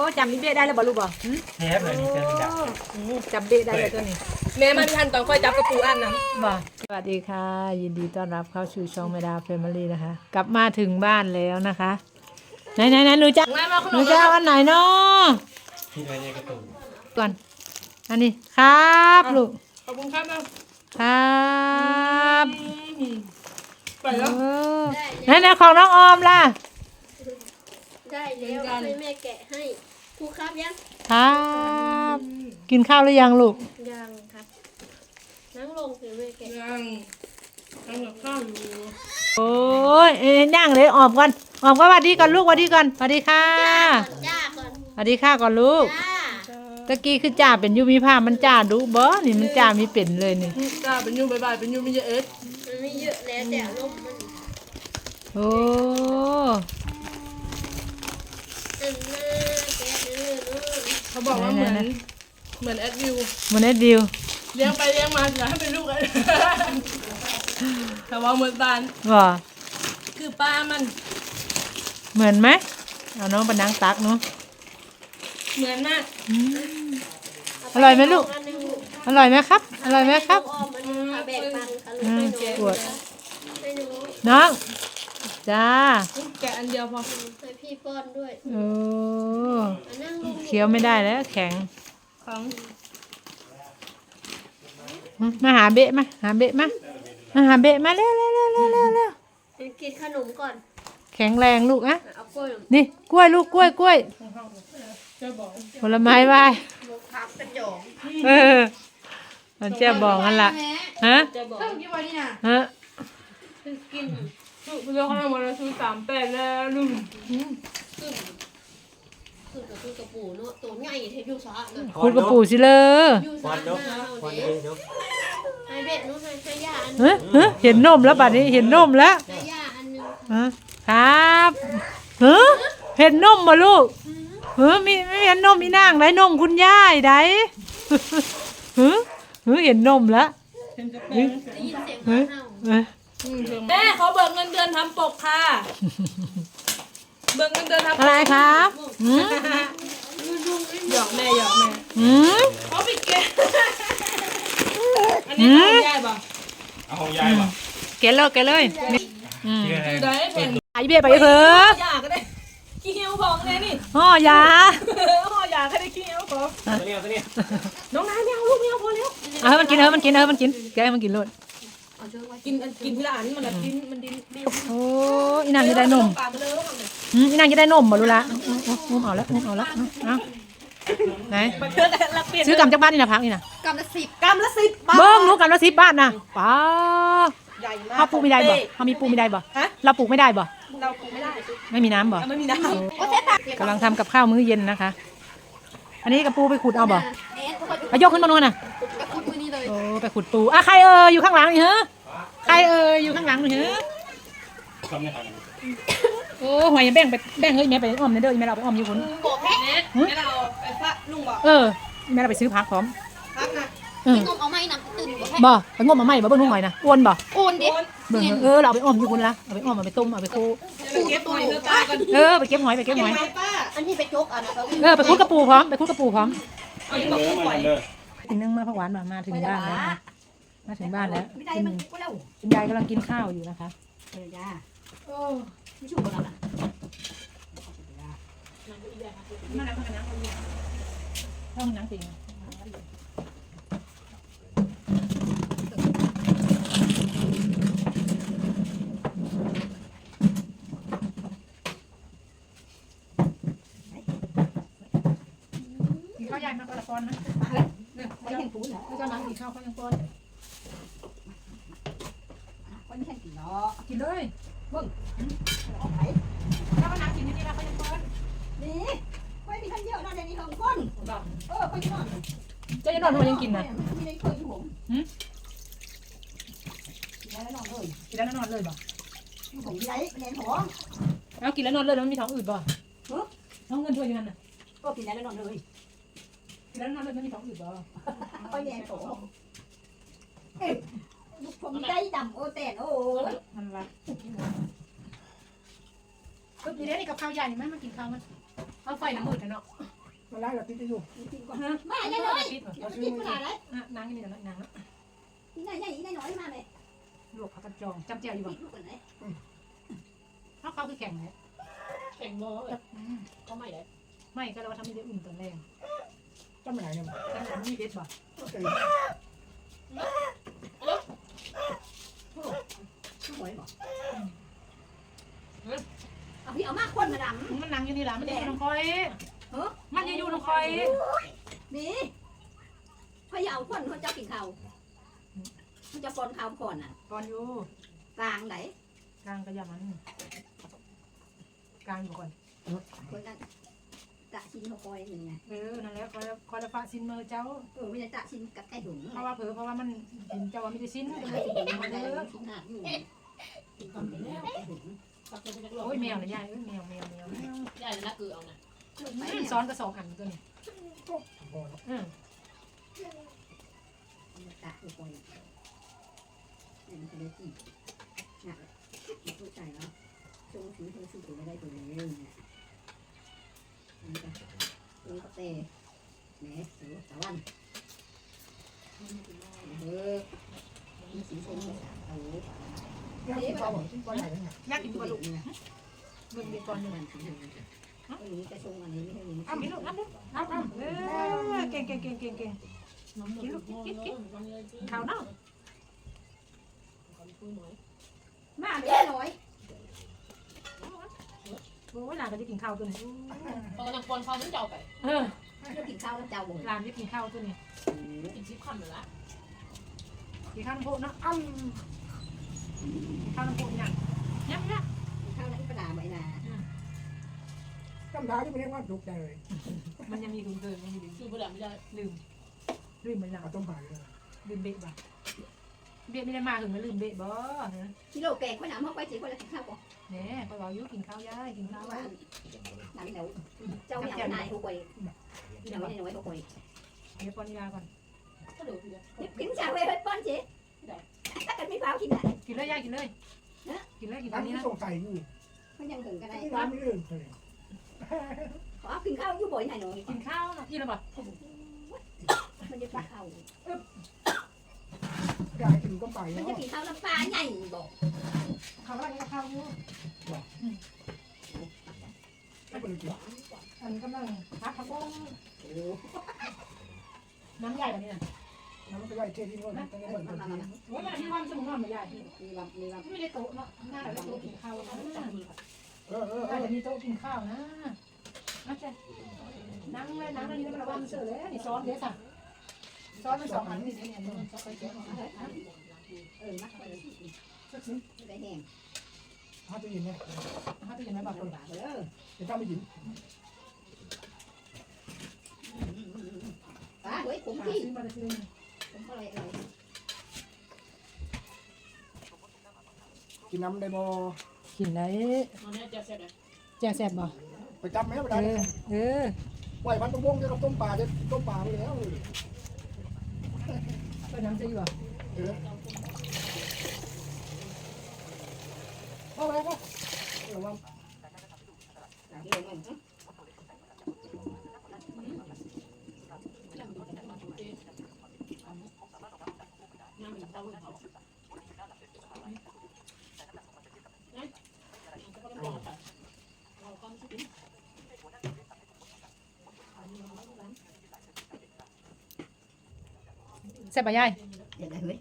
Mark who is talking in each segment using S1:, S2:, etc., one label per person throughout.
S1: จำนี่เบ๊ได้แล้วบ่ลูกบ่
S2: เทปเลยนี่เจอดัก
S1: จำเบ๊ได้เลยตัวนี้แม่มาทันตอนค่อยจับกระปูอันนะบ่สวัสดีค่ะยินดีต้อนรับเข้าสู่ช่องแม่ดาแฟมิลี่นะคะกลับมาถึงบ้านแล้วนะคะไหนหนูจะเอาอันไหนเนาะ
S2: ที่ไว้ในกระตุก
S1: ก่อนอันนี้ครับลูก
S3: ขอบคุณครับ
S1: ครับ
S3: ไปแล้ว
S1: ไหนของน้องออมล่ะ
S4: ได้แล้วให้แม่แกะให้ครูครับยัง
S1: ครับกินข้าวหรือยังลูก
S4: ยังครับนั่งลงเดี๋ยวแม่แกะ
S3: ยังกับข้าวอยู่
S1: โอ้ยย่างเลยออมก่อนออมก็สวัสดีก่อนลูกสวัสดีก่อนสวัสดีค่ะ
S4: จ้าก่อน
S1: สวัสดีค่ะก่อนลูกตะกี้คือจ่าเป็นยูมีผ้ามันจ่าดูบ่นี่มันจ่ามีเป็นเลยนี่
S3: จ้าเป็นยูบายเป็นยูมีเยอะ
S4: มันไม่เยอะแล้วแต่ลมมัน
S1: โอ้
S3: เขาบอกว่าเหมือนแอดวิว
S1: เหมือนแอดวิว
S3: เลี้ยงไปเลี้ยงมาอยากให้เป็นลูกเลยแต่ว่าเหมือนตาล
S1: ว่า
S3: คือป้ามัน
S1: เหมือนไหมเอาน้องเป็นนางตักเนาะ
S3: เหมือนมาก
S1: อร่อยไหมลูกอร่อยไหมครับอร่อยไหมครับปวดน้องจ้า
S3: แกะอันเดียวพอ
S4: ให้พี่ป้อนด้วย
S1: โอ้เคี้ยวไม่ได้แล้วแข็งมาหาเบะมาหาเบะมาหาเบะมาเร็ว
S4: กินขนมก่อน
S1: แข็งแรงลูกอะนี่กล้วยลูกกล้วยผลไม้ไหว้มันเจ้าบอกนั่นล่ะฮะฮะ
S3: กินเรื่องของเราซื้อ38แล้วลุง
S4: คือกระปูเนาะตัวใหญ่เทปยูซ่า
S1: คุณกระปูสิเลย
S2: วันเนาะวันนี้เนาะ
S4: ให้เบ็ดนู้นให้ย่าอัน
S1: เห็นนมแล้วบัดนี้เห็นนมแล้ว
S4: ให้ย่าอันนึง
S1: ครับเห็นนมมาลูกไม่เห็นนมมีนางไรนมคุณย่ายไดเห็นนมแล้ว
S4: ได้ยินเสียงเห่า
S3: แม่เขาเบิกเงินเดือนทำปกค่ะเบิกเงินเดือนทำ
S1: อะไรครับ
S3: หยอกแม่เขาปิดเกมอันนี้ของยายป่ะ
S2: เอาของยายป่ะ
S1: เกลเลย
S3: ได้
S1: ไอเบี้ยไปเถอะ
S3: ยาก็ได้ขี้เหี้ยวของเลยนี่
S1: ห่อยา
S3: ห่อยาก็ได้ขี้เหี้ยวของ
S2: ตัวนี้
S3: น้องนายไม่เอาลูกไม่เอาพอแล้ว
S1: มันกินแกมันกินเลย
S3: กินทีละอันมันกินมันดิน
S1: โอ้อีนางจะได้นมอีนางจะได้นมบ่รู้ละอุ้มเอาแล้วเอาไหนซื้อกำจากบ้านนี่นะพักนี่นะ
S4: กำละ10
S3: บาท
S1: เบิ้งรู้กำละ10 บาทนะป้าเขาปลูกไม่ได้บ่เขามีปลูกไม่ได้บ่เราปลูกไม่ได้บ่
S3: เราปลูกไม่ได้
S1: ไม่มีน้ำบ่
S3: ไม่มีน้
S1: ำกำลังทำกับข้าวมื้อเย็นนะคะอันนี้กระปูไปขุดเอาบ่ไปยกขึ้นมาโน่นน่ะโอ้ไปขุดปูใครอยู่ข้างหลังนี่เหรอใครอยู่ข้างหลังนี่เหรอโอ้หอยแบ่งเฮ้ยแม่ไปอ้อมเด้อแม่เราไปอ้อมอยู่คน
S4: บอกแม่
S3: เราไปฟะลุงบอก
S1: แม่เราไปซื้อผักพร้อม
S4: ผักนะงมเอาไม้นะตื่น
S1: บ่ไปงมเอาไม้บ่เบิ่งหอยนะอ้วนบ่
S4: อ้วนดิ
S1: เบิ่งเราไปอ้อมอยู่คนละเอาไปอ้อมเอาไปต้มเอาไปโค
S3: เก็บหอย
S1: ไปเก็บหอย
S4: อันที่ไปจก
S1: ไปคุดกระปูพร้อมอีกนึงมาผักหวานมาถึงบ้านแล้วมาถึงบ้านแล้วคุณยายกำลังกินข้าวอยู่นะคะไม่ชุ่มกันนะห้องน้ำจริงข้าวยายมาปลาปอนนะไม่เห็นปูนเหรอเจ้าน้ำกินข้าวเขายังปอนคนแข่งกินเนาะกินเลยเบิ้งเอาไปถ้าว่าน้ำกินนี่นะเขายังปอนนี่ไม่มีท่านเยอะนะเดี๋ยวนี้ของก้นเขาจะนอนเจ้าจะนอนทำไมยังกินนะมีในเคยอยู่ผมกินแล้วนอนเลยบ่ผมกินไรแรงท้องแล้วกินแล้วนอนเลยแล้วมันมีท้องอืดบ่ท้องเงินด้วยอยู่นั่นน่ะก็กินแล้วนอนเลยกินแล้วนอนเลยมันมีท้องอืดบ่ก็แรงท้องผมใจดำโอแตนโอ้มันละก็กินได้ในกับข้าวใหญ่นี่ไหมมากินข้าวมันเอาไฟน้ำมืดเนาะ
S5: มาไล่เราติดอยู่
S4: กินก่อนมาเลยเลยกินปลาเลย
S1: นางนี่เดี๋ยวนาง
S4: กินได้ใหญ่ได้น้อยมาเลย
S1: ลวกผักกระจองจำเจียวอยู่บ่
S4: กินลูกกันไหน
S1: เขาคือแข่งเลย
S3: แข่งบอลก็ไม่ได้
S1: ไม่ก็เราทำไม่ได้อุ่นตอนแรก
S5: จำไม่ไหนเนี่ย
S1: แต่ผมมีเพชรบ่
S4: หวยบอกเอาพี่เอามากคนมาดำ
S1: มันนั่งอยู่นี่แหละมันอยู่น้องคอยมันอยู่น้องคอย
S4: นี่พยาคนเขาจะกินข้าวมันจะปนข้าวก่อนอ่ะ
S1: ก่อนอยู่
S4: กลางไหน
S1: กลางกระยามันกลางอยู่ก่อน
S4: คนนั้นตะชินเขาคอยอย่างไง
S1: นั่นแหละคอยละฟ้าซินเมอร์เจ้า
S4: ไม่ได้ตะชินกับไก่ถุง
S1: เพราะว่ามันเห็นเจ้าว่าไม่ได้ซินก็เลย
S4: มันได้ชินหาอยู่กินก่อนไปแล้วไก่ถุง
S1: โอ้ยแมวเลยยายแมว
S3: ใหญ่นะคือเอานะ
S1: ซ้อนกระสองอันตัวนี้
S4: ตะคือคอยนี่มันจะได้จีหนักเข้าใจแล้วจงถือถือตัวไม่ได้ตัวนี้เนี่ยนี่ก็ตัวก็เตะแหนสูตะวันมีสีส้มภาษาเอา
S5: ยังกินข้าวกินก้อนไหนเนี่ย
S1: ยากกินกระดูกมึงมีก่อนหนึ่ง
S4: อันนี้กระชงอันนี้ไม่ใช่นี้
S1: เอามีลูกน้ำลูกเก่งกินลูกกินข้าวเนาะ
S4: มาเล็กน้อย
S1: โอ้ยหลานก็จะกินข้าวตัวนี้
S3: ตอนกำลังปนเขาต้องเจ้าไป
S4: จะกินข้าวแล้วเจ้าบ่อย
S1: หลานจะกินข้าวตัวนี้
S3: กินชิปคำเลยละ
S1: กินข้าวน้ำโพเนาะข้าวน้ำโพอย่างยับ
S4: ข้าวนั้นกระดาษใบนา
S5: จำได้ที่ไม่ได้ว่าถูกใจเลย
S1: มันยังมีคุณเคยมันมีลืม
S3: คือผู้ดำไม่ได้
S1: ลืมมันแล้ว
S5: เอาต้มผ่าเลย
S1: ลืมเบะบ่เบะไม่ได้มาถึงมาลืมเบะบ่
S4: กิโลแกงข้าวหนามเข้าไปสิคนละกินข้าวก่อน
S1: เนี่ยเขาบอกยุกินข้าวยายกินข้าว
S4: ว่าหนามเหนียวเจ้าเหนียวนายเขาคอยเหนียวน้อยเขาคอย
S1: เดี๋ยวปอนยาก่อน
S3: ก็เดี๋ยวพี่
S4: กินชาเวเฮ็ดป้อนสิถ้ากันไม่เผากินได้
S1: กินเลยยายกินเลยกินเลยกินตอ
S5: ร้าน น
S1: นี้
S5: ที่
S1: นะ
S5: ส่งไก่อยู่
S4: มันยังถึงกันได้
S5: ที่ร้านไม่อื่นเลย
S4: ขอกินข้าวอยู่บ่อยหน่อยหน่อย
S1: กินข้าวนะกินแล้วบ่
S4: มันจะปลาข้าว
S5: ยายกินต้มไก่
S4: มัน
S5: เนาะ
S4: จะกินข้าวน้ำปลาใหญ่บอก
S1: ข้าวอะไรข้าวอยู่
S5: ไม่เป็นไรกิน
S1: อันกำลังพักข้าวต้มน้ำใหญ่แบบนี้นะ
S5: น้ำมันก็ย่อยเท่ที่นู่นต้องเหมือนกัน
S1: โอ้ยมันที่วันสมุนไพรใหญ่
S4: มีแบบมีแบบ
S1: ไม่ได้โต๊ะเนาะหน้าเราโต๊ะกินข้าวนะ
S5: เออ
S1: มีโต๊ะกินข้าวนะนะจ๊ะนั่งเลยนั่งเลยนี่มันระวังเสือเลยนี่ซ้อนเดี๋ยวสั่งซ้อนมันสองอันนี่เนี่ยมันจะไปเจ๊
S4: มักไปเลยได้แห้ง
S5: ถ้าจะยินเนี่ย
S1: เขาจะยังไม่บอกคน
S4: ลำบากเลย
S5: จะต้องไม่ยิน
S4: ปลาเฮ้ยผมที่
S1: ซื้อมาซื้อ
S4: ผมอะไรอะไร
S5: กินน้ำได้บ่
S1: กินได้
S3: ตอนนี้จะเสร็จเลย
S1: แจ่แซ่บบ่
S5: ไปจับไหมไปได้ ไหวพันต้มวงจะกับต้มปลาจะต้มปลาไปแล้ว
S1: ก็น้ำจะอยู่บ่
S5: เออเอาไปก็เออว่า
S4: เรื่องมัน
S3: น้ำมันเต้าเขาเราความสุข
S1: แซ่บบ่ยาย
S4: เดี๋ยวได้เฮ้ย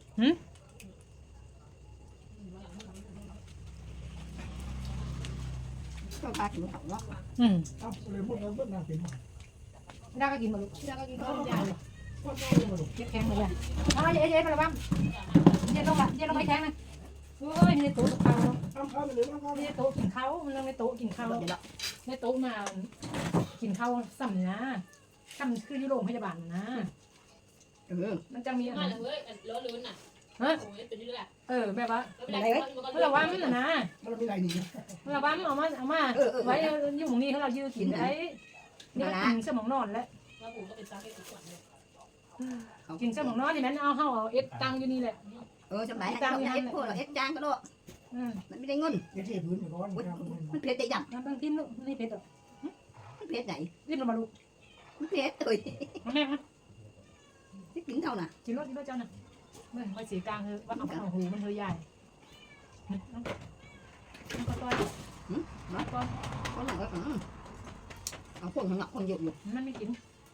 S4: ก็ปลาถึงเขาเนาะ
S5: เอาเลยพูดแล้วพูดน่ากิน
S1: ได้ก็กินมาลูกได้ก็กินข้าวยาย
S5: พูดมาดู
S1: เย็บแข็งเลยยายเอาเย็บมาละบ้างเย็บลงมาเย็บลงไปแข็งนะโอ้ยนี่โต๊ะข้าว
S5: ทำข้าวไปเลยทำข้าว
S1: นี่โต๊ะกินข้าวมันในโต๊ะกินข้าวในโต๊ะมากินข้าวซ้ำนะซ้ำคือที่โรงพยาบาลนะมันจะมี
S3: มาเลยเว้ยล้อลุ้นน่ะโอ้ยเป็นนี่แหละ
S1: แบบว่า
S3: อะไรเว้ย
S1: เมื่อวันน่ะนะ
S5: มันมีอะไรนี่
S1: เมื่อวันเอามาไว้อยู่ตรงนี้เขาเรายืดกินไอ้นี่กินสมองนอนแล้ว
S3: แล้วผมก็เป็นซาเก้ทุกวันเลย
S1: กินสมองนอนนี่แม่เอาเอ็ดตังอยู่นี่แหละ
S4: สบายเราเอ็ดพวกเราเอ็ดจางก็ได้มันไม่ได้เงิน
S5: เดี๋ยวเทพื้นอยู่ร้อน
S4: มันเผ็ดแต่ยัง
S1: น้ำบางทิ้นลูกนี่เผ็ดหรอ
S4: มันเผ็ดไหน
S1: รีบลงมาลูก
S4: มเผ็ดเอ้ย
S1: มาแม่มา
S4: ที่กินเท่าน่ะ
S1: กินรถเจ้าน่ะเมื่อไปสีกลางคือว่าเอาหูมันเธอใหญ่น้องก็ต้อยน้องก็
S4: có là cáiคนหนักคนเยอะอยู่
S1: มันไม่กิน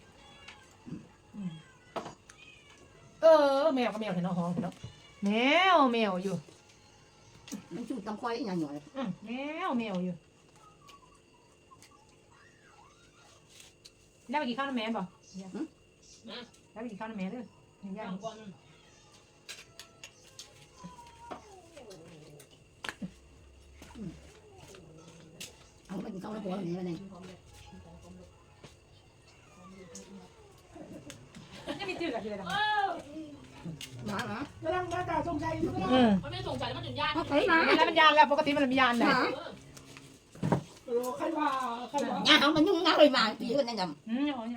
S1: แมวก็แมวเห็นน้องห้องเห็นน้องแมวอยู่
S4: มันชูตำควายอย่างหน่อย
S1: แมวอยู่ได้ไปกินข้าวน้ำแม่ป่ะได้ไปกินข้าวน้ำแม่ด้วยย่าง
S4: เอาไปกินข้าวแล้วพออย่างนี้ไปเลย
S1: ไม่มีจืดกับจืดหรอ
S4: มา
S5: กำลังหน้าตาสงสัยอยู่
S3: มันไม่สงสัยมันถึงยาก
S4: มาเฮ้ยมา
S1: แล้วมันยานแล้วปกติมันมียานเลย
S5: ใครว่า
S4: nhà không mình nhung ngáo rồi mà chỉ có nên nhầm
S1: หยอ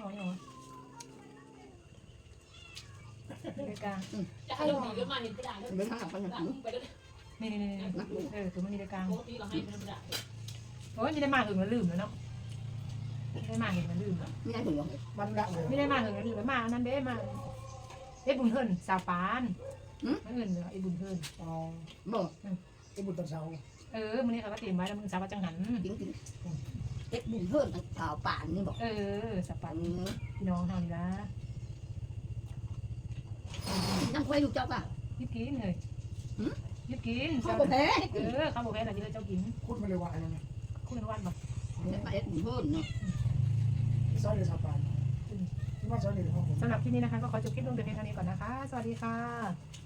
S1: ในกลาง
S3: จะให้เราดีก็มาเห็นกระดาษแล้ว
S4: mình thằng nào con nhầm
S3: ไปแล้ว
S1: นี่คือมันมีในกลาง
S3: ปกติเราให้เป็นกระดาษ
S1: โอ้ยไม่ได้มาถึงมันลืมแล้วเนาะไม่ได้มาเห็นมันลืมแล้ว
S4: mình ăn thử rồi
S5: มันละเลย
S1: ไม่ได้มาถึงมันลืมแล้วมานั่นเด้มาเอ้บุญเฮิร์นสาวปานไม่เงินเลยไอ้บุญเฮิร์น
S5: อ๋อ
S4: bờ
S5: ไอ้บุญตะเสา
S1: มึงนี่เขาก็เตรียมไว้แล้วมึงสาวจังหัน
S4: tiếng tiếng tết bùn hơn thảo bản nhưบอก
S1: สาวปานพี่น้องทำละ
S4: năm quay được cho cả
S1: ยิบกินเลยยิบกิน
S4: không có thế
S1: ข้าวโพดแพ้อะไรที่เราเจ้ากิน
S5: พูดมาเลยว่าอะไรนะ
S1: คู่กันวันบอก
S4: tết bùn hơn nữa
S5: ซอยเดือดสาปานที่ว่าซอยเดือดของผม
S1: สำหรับที่นี้นะคะก็ขอจบคลิปลงแต่เพียงเท่านี้ก่อนนะคะสวัสดีค่ะ